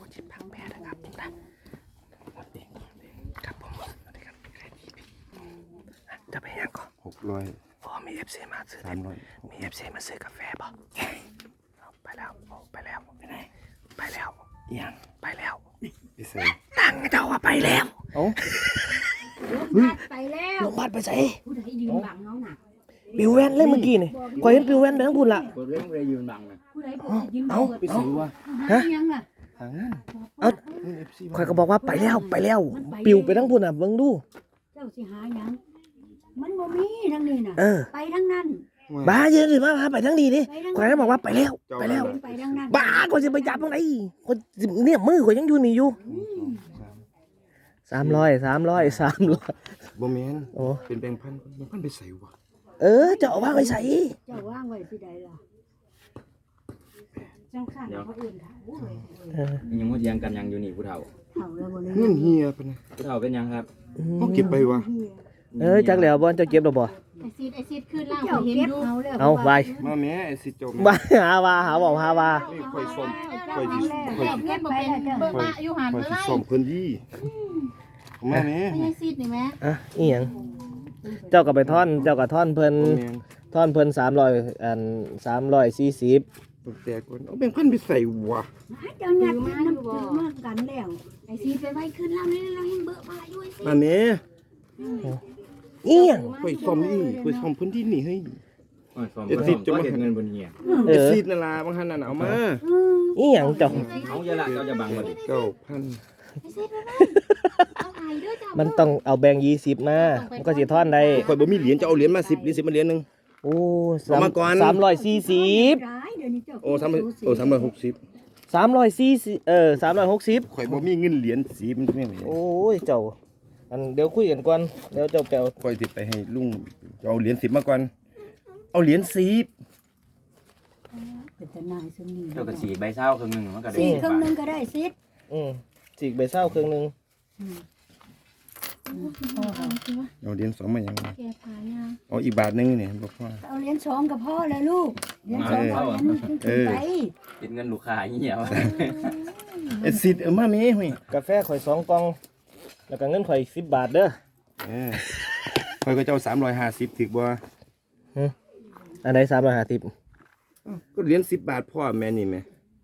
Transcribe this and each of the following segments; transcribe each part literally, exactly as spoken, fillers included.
ชิมผักแพรนะครับผมนะครับผมสวัสดีครับจะไปยังก่อนหกร้อยพอมีเอฟซีมาซื้อสามร้อยมีเอฟซีมาซื้อกาแฟป่ะไปแล้วไปแล้วไปไหนไปแล้วยังไปแล้วไปใส่ตั้งเจ้าว่าไปแล้วเอ้าไปแล้วลงบัดไปใส่ผู้ใดยืนบังน้องน่ะปิวแว่นเลยเมื่อกี้นี่คอยเห็นปิวแว่นไปทั้งพุ่นละกดเรื่องไปยืนบังนะผู้ใดยืนบังไปซื้อวะฮะยังล่ะหาเงินเอ้าคอยก็บอกว่าไปแล้วไปแล้วปิวไปทั้งพุ่นอ่ะเบิ่งดูเจ้าสิหายังมันบ่มีทั้งนี้น่ะไปทั้งนั้นบ้าเยอะเลยมาไปทั้งดีดิคอยก็บอกว่าไปแล้วไปแล้วบ้าคอยจะไปจับตรงไหนคอยเนี่ยมือคอยยังอยู่นี่อยู่สามร้อยสามร้อยสามร้อยบ่แม่นโอ้เป็นแบงค์พันแบงค์พันไปใส่วะเออเจ้าว่างไปใส่เจ้าว่างไว้ที่ใดล่ะจังคั่นเขาอื่นถามเออยังมดยังกันยังอยู่นี่ผู้เฒ่าเฒ่าแล้วบ่ได้เงินเฮียปะนะผู้เฒ่าเป็นยังครับเฮาเก็บไปวะเออจักแล้วบ่เจ้าเก็บดอกบ่ไอ้ซีดไอ้ซีดขึ้นล่างเห็นดูเอาไปมาแม่ไอ้สิจมบ้าหาว่าหาบอกหาว่านี่ค่อยส้มค่อยสิค่อยสิเก็บบ่เป็นเบิ่งมาอยู่หันค่อยเมื่อสิไรส้มเพิ่นยี่มาแม่ไอ้ซีดนี่แม่อ่ะอีหยังเจ้าก็ไปท่อนเจ้าก็ท่อนเพิ่นท่อนเพิ่นสามร้อยอันสามร้อยสี่สิบตกแตกก่อนเอาแบงค์พันไปใส่วะเจ้าหยัดมาน้ำจืดมากกันแล้วไอ้ซีดไปไว้ขึ้นล่างนี่เราเห็นเบิ่งมาอยู่ไอ้ซีดมาแม่อีหยังค่อยส้มนี่ค่อยส้มเพิ่นที่นี่ให้เอ็ดสิบจะมาเงินบนเงียเอ็ดสิบนั่นล่ะบางหันนั่นเอามาอีหยังเจ้าเอาเยอะละเราจะบังมาดิเก้าพันมันต้องเอาแบงค์ยี่สิบมามันก็สิท่อนได้ข่อยบ่มีเหรียญจะเอาเหรียญมาสิบเหรียญสิบมาเหรียญนึงโอ้สามสามร้อยสี่สิบโอ้สามโอ้สามร้อยหกสิบสามร้อยสี่สิบเออสามร้อยหกสิบข่อยบ่มีเงินเหรียญสิบมันไม่โอ้ยเจ้าอันเดี๋ยวคุยกันก่อนเดี๋ยวเจ้าแปลข่อยสิไปให้ลุงเอาเหรียญสิบมาก่อนเอาเหรียญสิบเป็นทนายซึ่งนี่เจ้ากระสีใบเศร้าครึ่งนึงมันก็ได้สี่ครึ่งนึงก็ได้ซิดอืมจีกใบเศร้าครึ่งนึงเอาเหรียญสองมาอย่างไรเอาอีกบาทนึงเนี่ยบอกว่าเอาเหรียญสองกับพ่อเลยลูกเหรียญสองเอาเหรียญนึงขึ้นไปกินเงินลูกค้าเหี้ยเอ็ดสิบเออมาเมย์เฮ้ยกาแฟข่อยสองกล่องแล้วก็เงินข่อยสิบบาทเด้อเออข่อยก็เจ้าสามร้อยห้าสิบถึกบ่อันไหนสามร้อยห้าสิบก็เหรียญสิบบาทพ่อแม่นี่แม่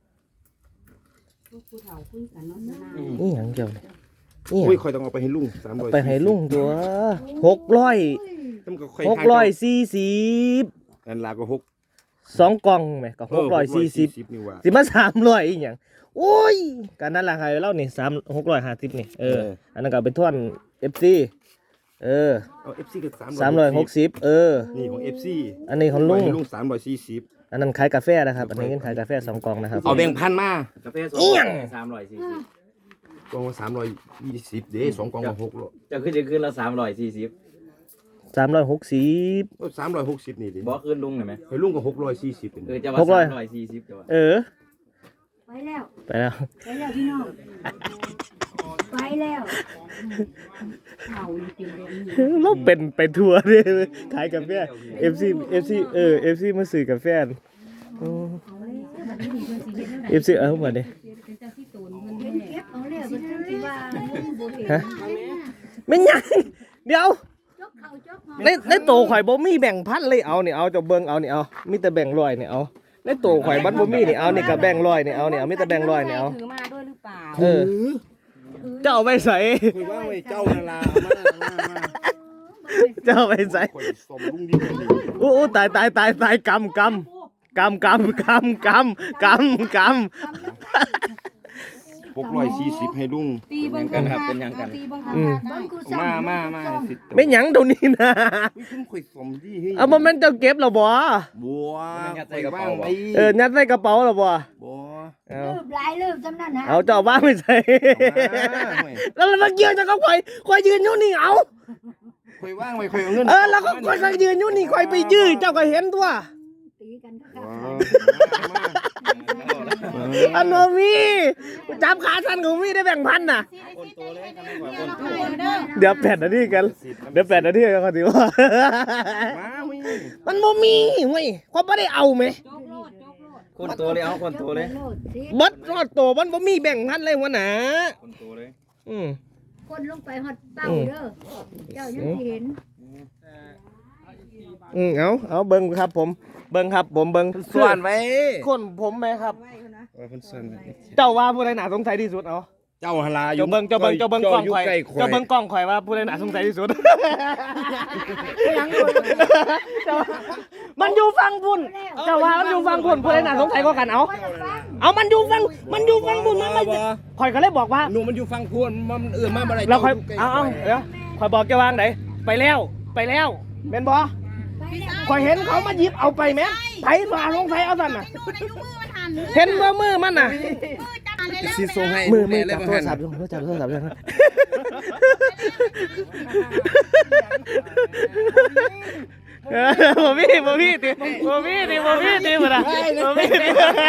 นี่หยังเจ้าเนี่ยโอ้ยข่อยต้องเอาไปให้ลุงสามร้อยไปให้ลุงตัวหกร้อยหกร้อยสี่สิบอันลาก็หกสองกล่องไหมก็หกร้อยสี่สิบสิมาสามร้อยอีกอย่างโอ้ยการนั้นราคาเล่านี่สามหกร้อยห้าสิบนี่เอออันนั้นก็เป็นท่อนเอฟซีเออเอาเอฟซีก็สามสามร้อยหกสิบเออนี่ของเอฟซีอันนี้ของลุงลุงสามร้อยสี่สิบอันนั้นขายกาแฟนะครับอันนี้เงินขายกาแฟสองกล่องนะครับเอาแบ่งพันมากาแฟสองสามร้อยสี่สิบกล่องสามร้อยยี่สิบเด้สองกล่องก็หกร้อยจะขึ้นจะขึ้นละสามร้อยสี่สิบสามร้อยหกสิบสามร้อยหกสิบนี่ดิบอกขึ้นลุงหน่อยไหมให้ลุงก็หกร้อยสี่สิบเออจะว่าสามร้อยสี่สิบจะว่าเออไปแล้วไปแล้วไปแล้วพี่น้องไปแล้วเราเป็นไปทัวร์เลยขายกาแฟเอฟซีเอฟซีเออเอฟซีมาซื้อกาแฟเอฟซีเออหมดเลยฮะไม่ยังเดี๋ยวในในโตข่อยบ่มีแบ่งพันเลยเอาเนี่ยเอาจะเบิ่งเอาเนี่ยเอามีแต่แบ่งร้อยเนี่ยเอาในโตข่อยบัดบ่มีเนี่ยเอาเนี่ยกับแบ่งร้อยเนี่ยเอาเนี่ยเอามีแต่แบ่งร้อยเนี่ยเอาถือมาด้วยหรือเปล่าเออเจ้าไปใส่คุยว่าไว้เจ้านาลามามาเจ้าไปใส่โอ้ตายตายตายตายกำกำกำกำกำกำกำกำหกร้อยสี่สิบให้ลุงเป็นกันครับเป็นยังกันมามามาไม่หยังตรงนี้นะเอาบ่แม่นเจ้าเก็บหรอบ่บัวยัดใส่กระเป๋าเออยัดใส่กระเป๋าหรอบ่บัวลืมหลายลืมจำนั่นนะเอาเจ้าบ้าไม่ใส่แล้วมันยืนจะก็คอยคอยยืนอยู่นี่เอาคอยว่างไว้คอยเอาเงินเออแล้วก็คอยยืนอยู่นี่คอยไปยืนเจ้าก็เห็นตัวตีกันก็อันโนมีจับขาท่านของมีได้แบ่งพันน่ะเดี๋ยวแปดนาทีกันเดี๋ยวแปดนาทีกันเขาถือว่ามันโมมีเว้ยเขาไม่ได้เอาไหมคนโตเลยเอาคนโตเลยบัดรอดโตมันบ่มีแบ่งพันเลยหัวหน้าคนโตเลยอืมคนลงไปฮอดเป้าเด้อเจ้ายังเห็นอืมเอาเอาเบิ่งครับผมเบิ่งครับผมเบิ่งส่วนไว้คนผมไหมครับว่าเพิ่นส่วนไว้เจ้าว่าผู้ใดน่าสงสัยที่สุดเอาเจ้าหลาอยู่เจ้าเบิ่งเจ้าเบิ่งเจ้าเบิ่งกล้องยู่ข่อยใล้เจ้าเบิ่งกล้องข่อยว่าผู้ใดน่าสงสัยที่สุด มันอยู่ฟังพุ่นเจ้าว่ามันอยู่ฟังพุ่นผู้ใดน่าสงสัยกว่ากันเอาเอามันอยู่ฟังมันอยู่ฟังพุ่นมันไม่ข่อยก็เลยบอกว่าหนูมันอยู่ฟังพวนมันเอื่นมาบ่ได้เราค่อยเอาเอาเดี๋ยวข่อยบอกเจ้าวางไหนไปแล้วไปแล้วแม่นบ่ข่อยเห็นเขามาหยิบเอาไปแม่ไผฝ่าลงไฟเอาสั่นน่ะเห็นบ่มือมันน่ะสิส่งให้มือมือแล้จัวบบ่โทรหันศัพท์อยู่จับโทรศัพท์อยู่เออบ่มีบ่มีติบ่มีติบ่มีติบ่ล่ะบ่มีติ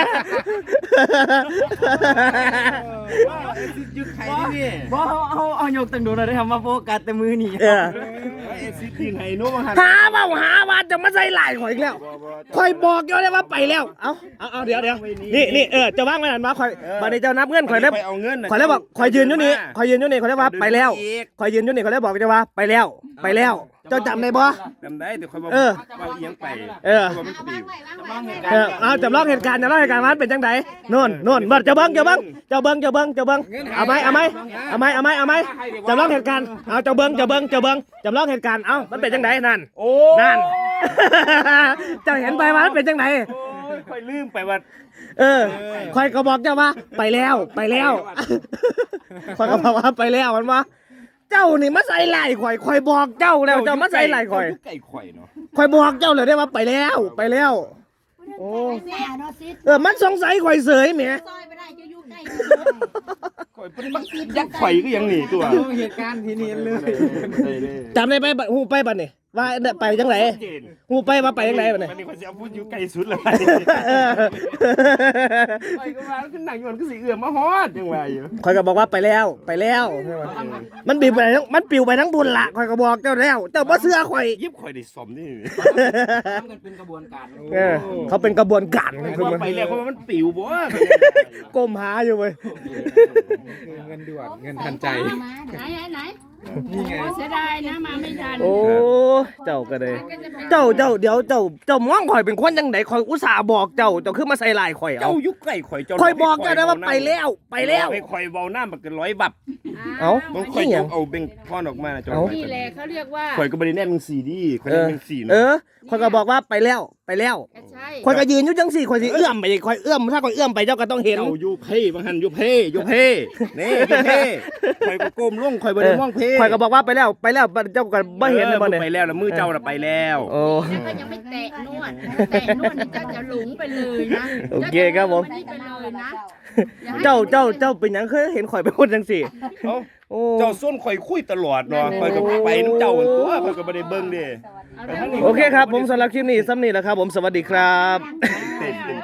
ยึดไข่ที่นี่บ่เอาเอาเอายกตั้งโดนเลยทำมาโฟกัสแต่มือนี่เออเอซิดยิงไห้หนูบ่หันหาว่าหาว่าจะมาใส่ลายข่อยอีกแล้วข่อยบอกอยู่เลยว่าไปแล้วเอาเอาเอาเดี๋ยวเดี๋ยวนี่นี่เออจะว่างไว้นั่นมาข่อยบัดนี้เจ้านับเงินข่อยเลยไปเอาเงินข่อยเลยบอกข่อยยืนอยู่นี่ข่อยยืนอยู่นี่ข่อยเลยว่าไปแล้วข่อยยืนอยู่นี่ข่อยเลยบอกจะว่าไปแล้ว ไปแล้ว เจ้าจำได้บ่จำได้แต่ข่อยบอกเออว่าเอียงไปเออว่ามันปิวเออเอาจำลองเหตุการณ์จำลองเหตุการณ์มันเป็นจังไดโน่นโน่นบัดเจ้าเบิ้งเจ้าเบิ้งเจ้าเบิ้งเจ้าเบิ้งเจ้าเบิ้งเอาไหมเอาไหมเอาไหมเอาไหมเอาไหมจำลองเหตุการณ์เอาเจ้าเบิ้งเจ้าเบิ้งเจ้าเบิ้งจำลองเหตุการณ์เอามันเป็นจังไดนั่นโอ้นั่น เจ้าเห็นไปว่ามันเป็นจังไดข่อยลืมไปว่าเออข่อยก็บอกเจ้าว่าไปแล้วไปแล้วข่อยก็บอกว่าไปแล้วมันว่าเจ้านี่มาใส่ไหล่ข่อยข่อยบอกเจ้าแล้วเจ้ามาใส่ไหล่ข่อยไก่ข่อยเนาะข่อยบอกเจ้าเลยได้ว่าไปแล้วไปแล้วโอ้แม่เนาะซิดเออมันสงสัยข่อยเสยแหมซอยไปได้จะอยู่ใกล้ข่อยเป็นบักยักษ์ข่อยก็ยังหนีตัวเหตุการณ์ที่นี่เลยจำได้ไปหูไปบัดนี่ว่าไปจังไหนหูไปว่าไปจังไหนบัดนี่มันนี่ข่อยสิเอาพูดอยู่ไกลสุดเลยเออข่อยก็ว่าขึ้นหนังอยู่มันก็สิเอื้อมมาฮอดจังว่าอยู่ข่อยก็บอกว่าไปแล้วไปแล้วมันปิวไปทั้งมันปิวไปทั้งบุญละข่อยก็บอกเจ้าแล้วเจ้าบ่เชื่อข่อยยิบข่อยได้สมนี่ทำกันเป็นกระบวนการเออเขาเป็นกระบวนการคือมันไปแล้วเพราะว่ามันปิวบ่ก้มหาอยู่เว้ยเงินด่วนเงินทันใจไหนไหนไหนนี่ไงเสียดายนะมาไม่ทันโอ้เจ้าก็เลย เจ้าเจ้าเดี๋ยวเจ้าเจ้ามองข่อยเป็นคนจังไดข่อยอุตส่าห์บอกเจ้าเจ้าคือมาใส่ลายข่อยเอาเจ้ายุคไก่ข่อยเจ้าข่อยบอกเจ้าได้ว่าไปแล้วไปแล้วไปข่อยเว้าน้ำมันก็ร้อยบับเอ้ามันข่อยนี่หยยังกเอาเบ่งพอนออกมาเจ้าเอ้านี่แหละเขาเรียกว่าข่อยก็บ่ได้แน่นเป็นสี่ดีข่อยเอแน่นอเป็นสี่เอนะอข่อยก็บอกว่าไปแล้วไปแล้วใช่ข่อยก็ยืนอยู่จังสี่ข่อยสิเอื้อมไปอีกข่อยเอื้อมถ้าข่อยเอื้อมไปเจ้าก็ต้องเห็นเจ้าอยู่เพ่บางหันอยู่เพ่อยู่เพ่นี่อยู่เพ่ข่อยก็ก้มลงข่อยบ่ได้มองเพ่ข่อยก็บอกว่าไปแล้วไปแล้วเจ้าก็บ่เห็นเลยบ่เนี่ยไปแล้วแล้วมือเจ้าน่ะไปแล้วโอ้แล้วก็ยังไม่แตะนวดแตะนวดนี่ก็จะหลงไปเลยนะโอเคครับผมนี่ไปเลยนะเจ้าเจ้าเจ้าเป็นหยังเคยเห็นข่อยเป็นคนจังสี่เอ้าโอ้เจ้าส้นข่อยคุยตลอดเนาะข่อยก็ไปน้ำเจ้าหั่นตัวข่อยก็บ่ได้เบิ่งเด้โอเคครับผมสำหรับคลิปนี้ซ้ำนี่แหละครับผมสวัสดีครับเต็ม